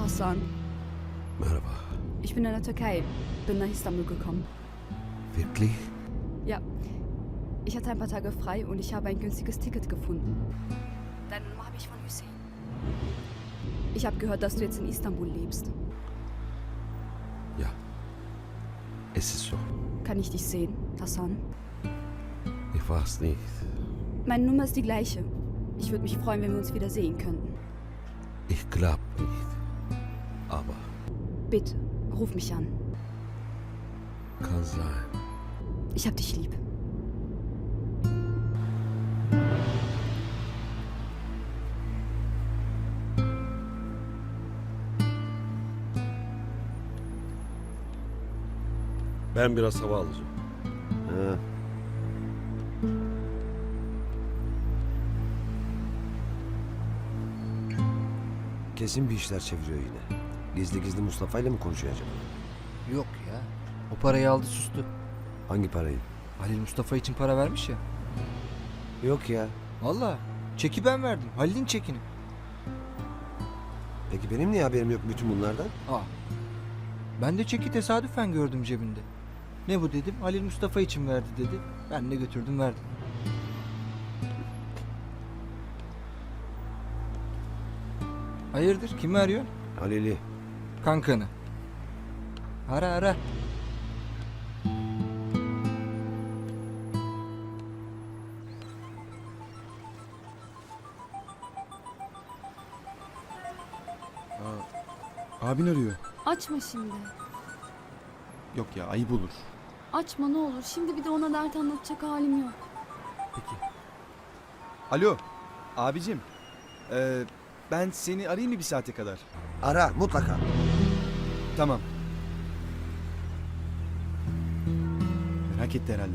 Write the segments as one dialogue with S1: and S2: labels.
S1: Hasan,
S2: Merhaba.
S1: ich bin in der Türkei, bin nach Istanbul gekommen.
S2: Wirklich?
S1: Ja, ich hatte ein paar Tage frei und ich habe ein günstiges Ticket gefunden. Deine Nummer habe ich von Hüseyin. Ich habe gehört, dass du jetzt in Istanbul lebst.
S2: Ja. Es ist so.
S1: Kann ich dich sehen, Hasan?
S2: Ich weiß nicht.
S1: Meine Nummer ist die gleiche. Ich würde mich freuen, wenn wir uns wieder sehen könnten.
S2: Ich glaub nicht. Aber
S1: Bitte, ruf mich an.
S2: kann sein.
S1: Ich hab dich lieb.
S2: Ben biraz hava alacağım.
S3: Ha. Kesin bir işler çeviriyor yine. Gizli gizli Mustafa ile mi konuşuyor acaba?
S4: Yok ya. O parayı aldı sustu.
S3: Hangi parayı?
S4: Halil Mustafa için para vermiş ya.
S3: Yok ya.
S4: Valla. Çeki ben verdim. Halil'in çekini.
S3: Peki benim niye haberim yok bütün bunlardan?
S4: Aa. Ben de çeki tesadüfen gördüm cebinde. Ne bu dedim. Halil Mustafa için verdi dedi. Ben de götürdüm verdim. Hayırdır? Kimi arıyorsun?
S3: Halil'i.
S4: Kankanı. Ara ara.
S5: Abin arıyor.
S1: Açma şimdi.
S5: Yok ya, ayıp olur.
S1: Açma ne olur. Şimdi bir de ona dert anlatacak halim yok.
S5: Peki. Alo, abicim. Ben seni arayayım mı bir saate kadar?
S3: Ara mutlaka.
S5: Tamam. Merak etti herhalde.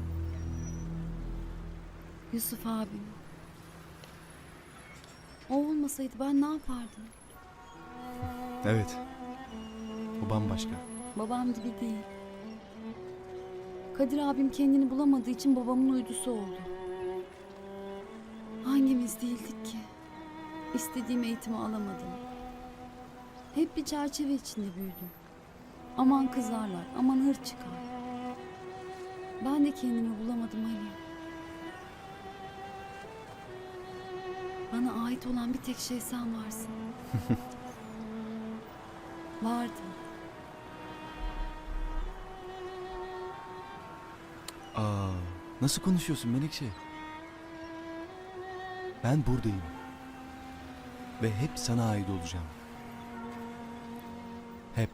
S1: Yusuf abim. O olmasaydı ben ne yapardım?
S5: Evet. O bambaşka.
S1: Babam gibi değil. Kadir abim kendini bulamadığı için babamın uydusu oldu. Hangimiz değildik ki? İstediğim eğitimi alamadım. Hep bir çerçeve içinde büyüdüm. Aman kızarlar, aman hır çıkar. Ben de kendimi bulamadım Ali. Bana ait olan bir tek şey sen varsın. Vardın.
S5: Aa, nasıl konuşuyorsun Menekşe? Ben buradayım. Ve hep sana ait olacağım. Hep.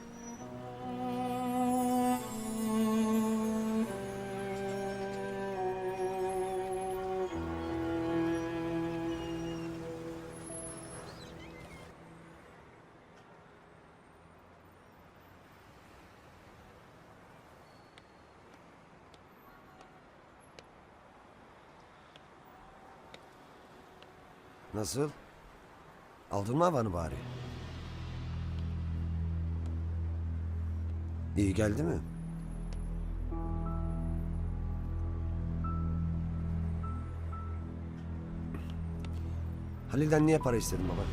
S3: Nasıl? Aldın mı havanı bari? İyi geldi mi? Halil'den niye para istedin baba?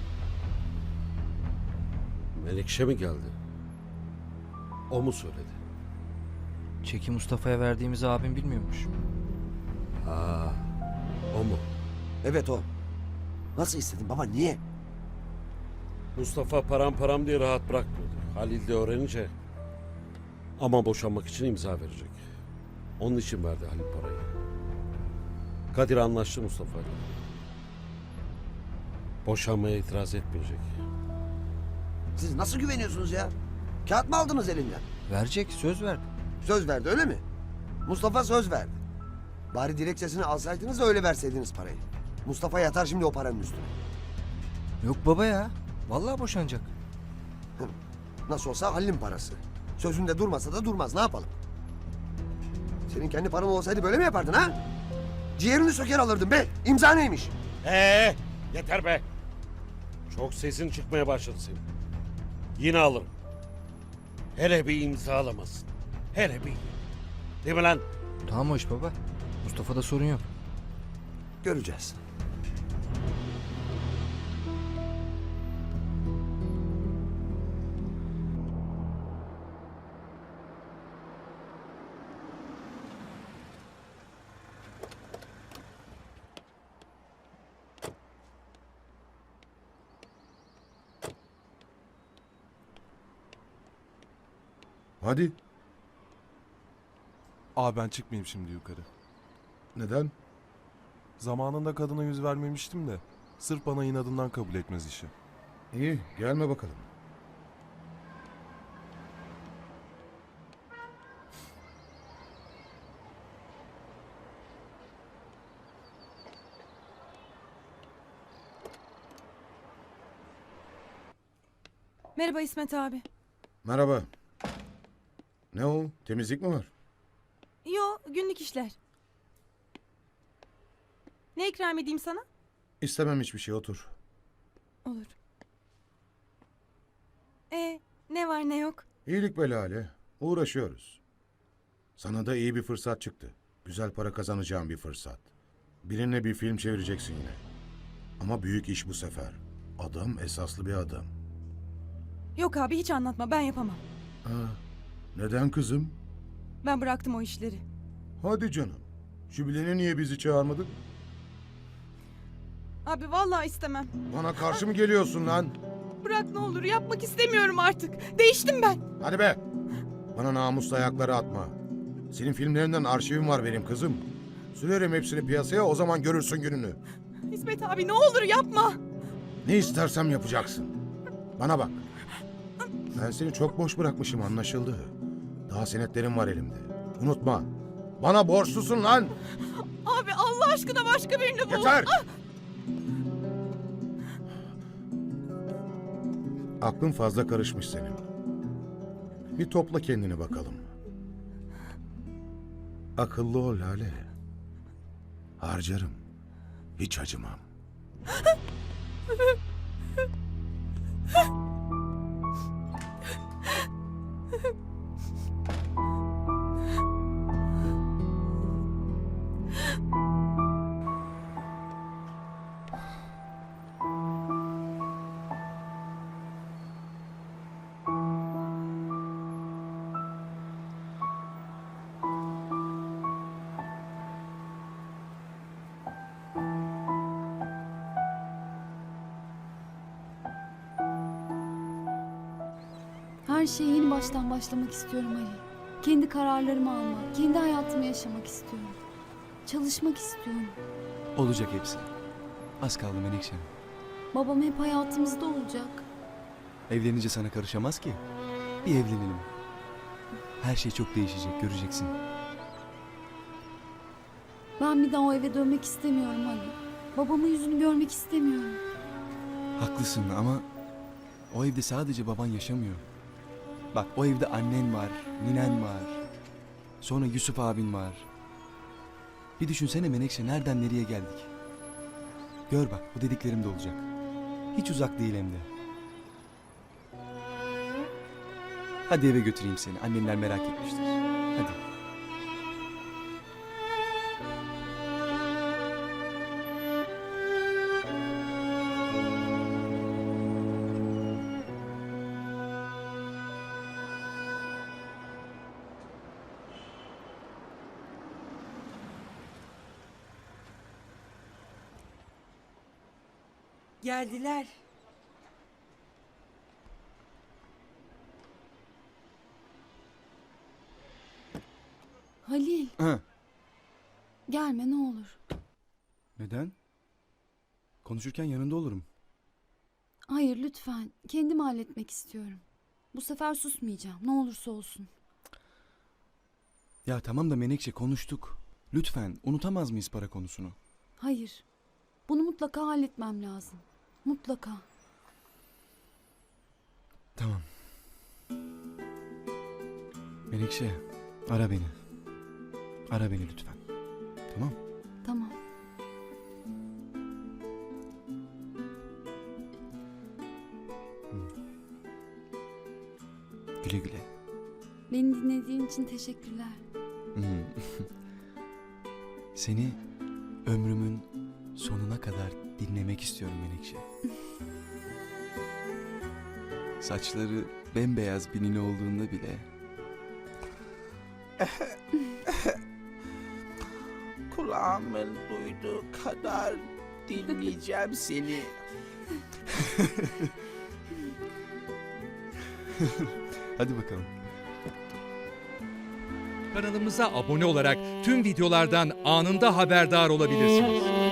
S2: Melikşe mi geldi? O mu söyledi?
S4: Çeki Mustafa'ya verdiğimizi abim bilmiyormuş.
S2: Ha, o mu?
S3: Evet o. Nasıl istedin baba niye?
S2: Mustafa param diye rahat bırakmıyordu. Halil de öğrenince ama boşanmak için imza verecek. Onun için verdi Halil parayı. Kadir anlaştı Mustafa'yla. Boşanmaya itiraz etmeyecek.
S3: Siz nasıl güveniyorsunuz ya? Kağıt mı aldınız elinden?
S4: Verecek. Söz verdi.
S3: Söz verdi öyle mi? Mustafa söz verdi. Bari dilekçesini alsaydınız da öyle verseydiniz parayı. Mustafa yatar şimdi o paranın üstüne.
S4: Yok baba ya. Vallahi boşanacak.
S3: Nasıl olsa Halil'in parası. Sözünde durmasa da durmaz ne yapalım? Senin kendi paran olsaydı böyle mi yapardın ha? Ciğerini söker alırdın be. İmza neymiş?
S2: Yeter be. Çok sesin çıkmaya başladı senin. Yine alırım. Hele bir imzalamasın. Hele bir. Değil mi lan?
S4: Tamam o iş baba. Mustafa'da sorun yok.
S3: Göreceğiz.
S6: Hadi.
S7: Abi ben çıkmayayım şimdi yukarı.
S6: Neden?
S7: Zamanında kadına yüz vermemiştim de. Sırf bana inadından kabul etmez işi.
S6: İyi, gelme bakalım.
S8: Merhaba İsmet abi.
S6: Merhaba. Ne o? Temizlik mi var?
S8: Yo, günlük işler. Ne ikram edeyim sana?
S6: İstemem hiçbir şey, otur.
S8: Olur. Ne var ne yok?
S6: İyilik be Lale. Uğraşıyoruz. Sana da iyi bir fırsat çıktı. Güzel para kazanacağın bir fırsat. Birine bir film çevireceksin yine. Ama büyük iş bu sefer. Adam esaslı bir adam.
S8: Yok abi hiç anlatma, ben yapamam.
S6: Neden kızım?
S8: Ben bıraktım o işleri.
S6: Hadi canım. Jübilene niye bizi çağırmadın?
S8: Abi vallahi istemem.
S6: Bana karşı mı geliyorsun lan?
S8: Bırak ne olur, yapmak istemiyorum artık. Değiştim ben.
S6: Hadi be! Bana namusla ayakları atma. Senin filmlerinden arşivim var benim kızım. Sürerim hepsini piyasaya, o zaman görürsün gününü.
S8: İsmet abi ne olur yapma.
S6: Ne istersem yapacaksın. Bana bak. Ben seni çok boş bırakmışım, anlaşıldı. Daha senetlerim var elimde. Unutma. Bana borçlusun lan.
S8: Abi Allah aşkına başka birini bul.
S6: Yeter! Aklın fazla karışmış senin. Bir topla kendini bakalım. Akıllı ol Lale. Harcarım. Hiç acımam.
S1: Her şeye yeni baştan başlamak istiyorum Ali. Kendi kararlarımı almak, kendi hayatımı yaşamak istiyorum. Çalışmak istiyorum.
S9: Olacak hepsi. Az kaldı Menekşe.
S1: Babam hep hayatımızda olacak.
S9: Evlenince sana karışamaz ki. Bir evlenelim. Her şey çok değişecek, göreceksin.
S1: Ben bir daha o eve dönmek istemiyorum Ali. Babamın yüzünü görmek istemiyorum.
S9: Haklısın ama o evde sadece baban yaşamıyor. Bak o evde annen var, ninen var. Sonra Yusuf abin var. Bir düşünsene Menekşe, nereden nereye geldik. Gör bak, bu dediklerim de olacak. Hiç uzak değil hem de. Hadi eve götüreyim seni. Annenler merak etmiştir. Hadi.
S8: Geldiler.
S1: Halil,
S9: Ha.
S1: gelme ne olur.
S9: Neden? Konuşurken yanında olurum.
S1: Hayır lütfen, kendim halletmek istiyorum. Bu sefer susmayacağım, ne olursa olsun.
S9: Ya tamam da Menekşe, konuştuk. Lütfen unutamaz mıyız para konusunu?
S1: Hayır, bunu mutlaka halletmem lazım. Mutlaka.
S9: Tamam. Menekşe, ara beni. Ara beni lütfen. Tamam?
S1: Tamam.
S9: Güle güle.
S1: Beni dinlediğin için teşekkürler.
S9: Seni ömrümün sonuna kadar dinlemek istiyorum Menekşe. Saçları bembeyaz binili olduğunda bile
S10: Kulağımın duyduğu kadar dinleyeceğim seni.
S9: hadi bakalım.
S11: Kanalımıza abone olarak tüm videolardan anında haberdar olabilirsiniz.